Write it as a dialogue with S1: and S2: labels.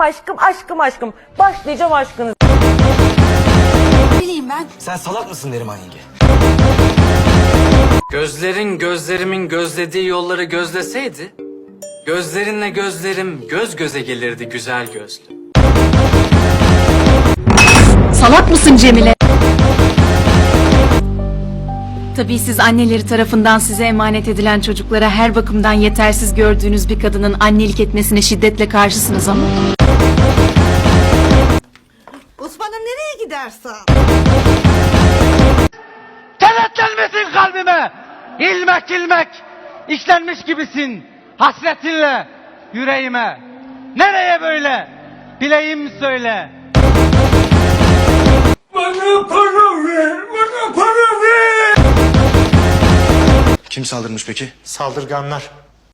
S1: aşkım, aşkım, aşkım. Başlayacağım aşkınız.
S2: Bileyim ben.
S3: Sen salak mısın Neriman yenge?
S4: Gözlerin gözlerimin gözlediği yolları gözleseydi, gözlerinle gözlerim göz göze gelirdi güzel gözlü.
S2: Salak mısın Cemile? Tabii siz anneleri tarafından size emanet edilen çocuklara her bakımdan yetersiz gördüğünüz bir kadının annelik etmesine şiddetle karşısınız ama.
S5: Osman'ım nereye gidersen?
S6: Kenetlenmesin kalbime. İlmek ilmek işlenmiş gibisin hasretinle yüreğime. Nereye böyle? Bileyim söyle. Bana para ver, bana para ver.
S3: Kim saldırmış peki?
S7: Saldırganlar.